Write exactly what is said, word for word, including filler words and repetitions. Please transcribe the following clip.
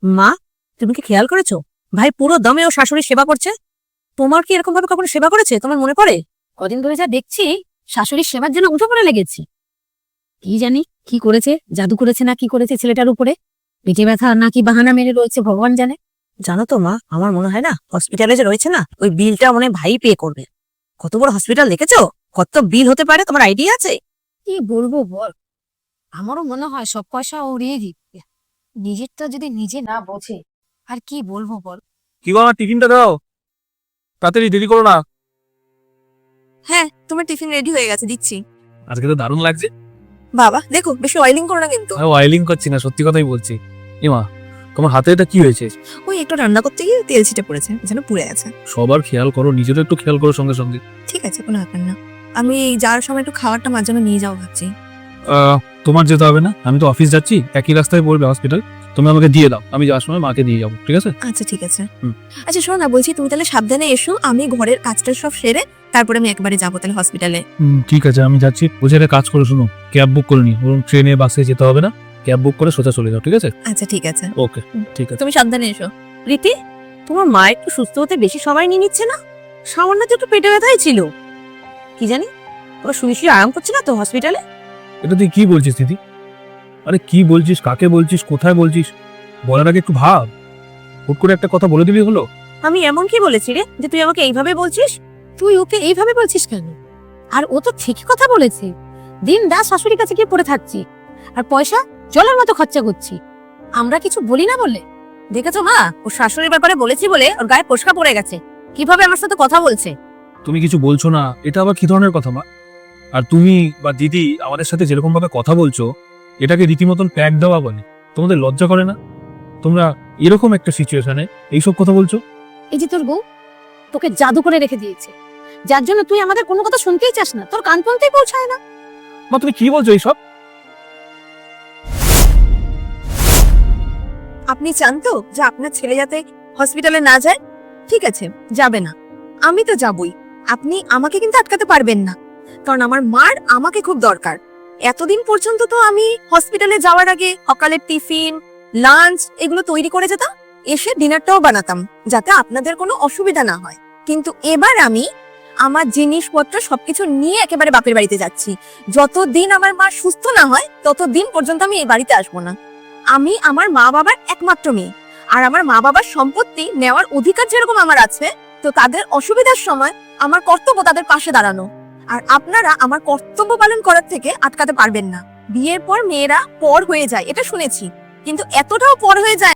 মা, তুমি কি খেয়াল করেছো ভাই পুরো দমে ও শাশুড়ির সেবা করছে? তোমার কি এরকম ভাবে কখনো সেবা করেছে তোমার মনে পড়ে? কদিন ধরে যা দেখছি শাশুড়ির সেবার জন্য উঠে পড়ে লেগেছি। কি জানি কি করেছে, জাদু করেছে না কি করেছে ছেলেটার উপরে, পেটে ব্যথা না কি বাহানা মেরে রয়েছে ভগবান জানে। জানো তো মা, আমার মনে হয় না হসপিটালে যে রয়েছে না ওই বিলটা মনে হয় ভাই পে করবে। কত বড় হসপিটাল দেখেছো? কত বিল হতে পারে তোমার আইডিয়া আছে? কি বলবো বল, আমারও মনে হয় সব পয়সা ও উড়িয়ে দিচ্ছে। নিজেরটা যদি নিজে না বোঝে আর কি বলবো বল। কি গো, আমার টিফিনটা দাও, তাড়াতাড়ি, দেরি করো না। হ্যাঁ, তোমার টিফিন রেডি হয়ে গেছে, দিচ্ছি। আজকে তো দারুণ লাগছে। বাবা দেখো, বেশি অয়েলিং করো না কিন্তু। আমি অয়েলিং করছি না, সত্যি কথাই বলছি। এমা, তোমার হাতে এটা কি হয়েছে? ওই একটু রান্না করতে গিয়ে তেল ছিটে পড়েছে, যেন পুড়ে গেছে। সবার খেয়াল করো, নিজেরও একটু খেয়াল করো সঙ্গে সঙ্গে। ঠিক আছে, কোনো ব্যাপার না। আমি যাওয়ার সময় একটু খাবারটা মার জন্য নিয়ে যাও ভাবছি। আহ, তোমার যেতে হবে না, আমি তো অফিস যাচ্ছি, একই রাস্তায় পড়বে হসপিটাল। তুমি আমাকে দিয়ে দাও, আমি যাওয়ার সময় মাকে দিয়ে যাবো, ঠিক আছে? আচ্ছা ঠিক আছে। হুম। আচ্ছা শোনো না, বলছি তুমি তাহলে সাবধানে এসো, আমি ঘরের কাজটা সব সেরে তারপরে আমি একবারে যাবো তাহলে হসপিটালে। হুম, ঠিক আছে, আমি যাচ্ছি। বুঝে একটা কাজ করে শুনো, ক্যাব বুক করে নি, ওরকম ট্রেনে বাসে যেতে হবে না, ক্যাব বুক করে সোজা চলে যাও, ঠিক আছে? আচ্ছা ঠিক আছে, ওকে, ঠিক আছে। তুমি সাবধানে এসো। রীতি, তোমার মা একটু সুস্থ হতে বেশি সময় নিয়ে নিচ্ছে না? সামান্য তো একটু পেটে ব্যথাই ছিল, কি জানি ও শুয়ে শুয়ে আরাম করছে না তো হসপিটালে। এটা তুই কি বলছিস দিদি? আরে কি বলছিস, কাকে বলছিস, কোথায় বলছিস? বলার আগে একটু ভাব। হুট করে একটা কথা বলে দিবি হলো? আমি এমন কি বলেছি রে যে তুই আমাকে এইভাবে বলছিস? তুই ওকে এইভাবে বলছিস কেন? আর ও তো ঠিকই কথা বলেছে, দিন রাত শাশুড়ির কাছে গিয়ে পড়ে থাকছি আর পয়সা জলের মতো খরচা করছি। আমরা কিছু বলি না বলে? দেখেছো মা, ও শাশুড়ির ব্যাপারে বলেছি বলে ওর গায়ে ফোস্কা পড়ে গেছে, কিভাবে আমার সাথে কথা বলছে। তুমি কিছু বলছো না, এটা আবার কি ধরনের কথা মা? আর তুমি বা দিদি আমাদের সাথে যেরকম ভাবে কথা বলছো, এটাকে রীতিমতন প্যাক দেওয়া বলে। তোমাদের লজ্জা করে না? তোমরা এরকম একটা সিচুয়েশনে এইসব কথা বলছো? এই যে তোর বউ তোকে জাদু করে রেখে দিয়েছে, যার জন্য তুই আমাদের কোনো কথা শুনতেই চাস না, তোর কান পর্যন্তই পৌঁছায় না। মা, তুমি কি বলছো এইসব? আপনি চান তো যে আপনার ছেলে যাতে হসপিটালে না যায়? ঠিক আছে, যাবে না, আমি তো যাবই। আপনি আমাকে কিন্তু আটকাতে পারবেন না, কারণ আমার মার আমাকে খুব দরকার। এতদিন পর্যন্ত তো আমি হসপিটালে যাওয়ার আগে সকালের টিফিন, লাঞ্চ এগুলো তৈরি করে যেতাম, এসে ডিনারটাও বানাতাম যাতে আপনাদের কোনো অসুবিধা না হয়। কিন্তু এবার আমি আমার জিনিসপত্র সবকিছু নিয়ে একেবারে বাপের বাড়িতে যাচ্ছি। যতদিন আমার মা সুস্থ না হয় ততদিন পর্যন্ত আমি এই বাড়িতে আসবো না। আমি আমার মা বাবার একমাত্র মেয়ে, আর আমার মা বাবার সম্পত্তি নেওয়ার অধিকার যেরকম আমার আছে, তো তাদের অসুবিধার সময় আমার কর্তব্য তাদের পাশে দাঁড়ানো। আর আপনারা আমার কর্তব্য পালন করার থেকে আটকাতে পারবেন না। বিয়ের পর মেয়েরা পর হয়ে যায় এটা শুনেছি, কিন্তু এতটাও পর হয়ে যায়